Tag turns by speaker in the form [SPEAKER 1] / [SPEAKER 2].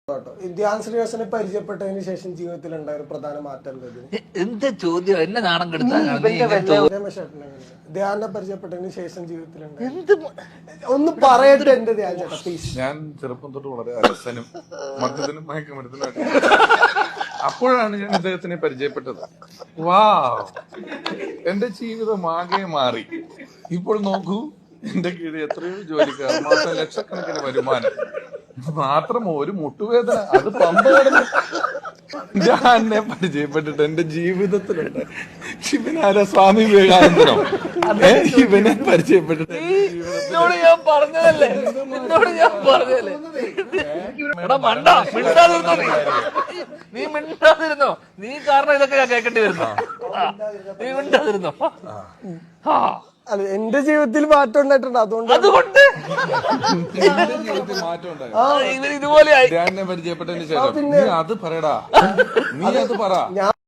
[SPEAKER 1] ധ്യാൻ ശ്രീനിവാസനെ പരിചയപ്പെട്ടതിന് ശേഷം ജീവിതത്തിൽ ഉണ്ടായ ഒരു പ്രധാന മാറ്റം
[SPEAKER 2] എന്താ ചോദ്യം? എന്നെ നാണം കെടുത്താൻ
[SPEAKER 1] ധ്യാനെ പരിചയപ്പെട്ടതിന് ശേഷം ജീവിതത്തിൽ ഒന്ന് പറയട്ടെ എന്റെ ധ്യാൻ ചേട്ടാ പ്ലീസ്.
[SPEAKER 3] ഞാൻ ചെറുപ്പം തൊട്ട് വളരെ അലസനും മദ്യത്തിനും മയക്കുമരുത്തിനും അപ്പോഴാണ് ഞാൻ ഇദ്ദേഹത്തിനെ പരിചയപ്പെട്ടത്. വാ, എന്റെ ജീവിതം ആകെ മാറി. ഇപ്പോൾ നോക്കൂ, എന്റെ കീഴിൽ എത്രയോ ജോലിക്കാർ, മാസം ലക്ഷക്കണക്കിന് വരുമാനം, മാത്രം ഒരു മുട്ടുവേദന, അത് പമ്പകടന്ന് ഞാൻ എന്നെ പരിചയപ്പെട്ടിട്ട് എന്റെ ജീവിതത്തിലുണ്ട്. ഇവനാരാ, സ്വാമി വിവേകാനന്ദനോ? ഇവനെ പരിചയപ്പെട്ടിട്ട്
[SPEAKER 2] എന്നോട് ഞാൻ പറഞ്ഞതല്ലേ നീ മിണ്ടാതിരുന്നോ? നീ കാരണം ഇതൊക്കെ ഞാൻ കേൾക്കേണ്ടി വരുന്നോ? നീ മിണ്ടാതിരുന്നോ?
[SPEAKER 1] അല്ല, എന്റെ ജീവിതത്തിൽ മാറ്റം ഉണ്ടായിട്ടുണ്ട്. അതുകൊണ്ട്
[SPEAKER 3] എന്റെ ജീവിതത്തിൽ മാറ്റം ഉണ്ടായി.
[SPEAKER 2] ഇതുപോലെ
[SPEAKER 3] പരിചയപ്പെട്ടതിന് ശേഷം നീ അത് പറയടാ, നീ അത് പറ.